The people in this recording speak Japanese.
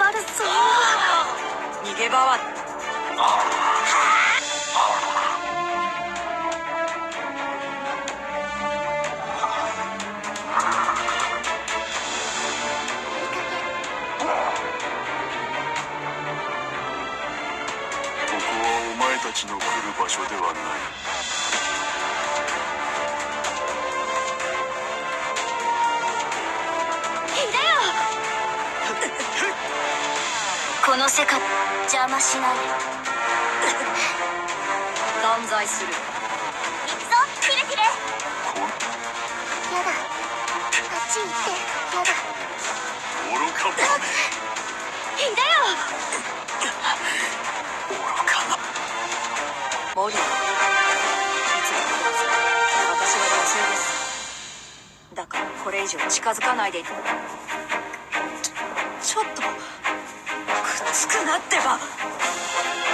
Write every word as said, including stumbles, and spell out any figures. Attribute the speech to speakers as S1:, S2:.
S1: 悪そう。逃げ場は。
S2: ここはお前たちの来る場所ではない。
S1: この世界邪魔しないで。断罪する。行くぞキレキレ。
S2: こん
S1: やだ、あっち行ってやだ。
S2: 愚か者め。
S1: いでよ。
S2: 愚かな。
S1: モリー、いつもこうする。私は女性です。だからこれ以上近づかないで。ちょちょっとくっつくなってば。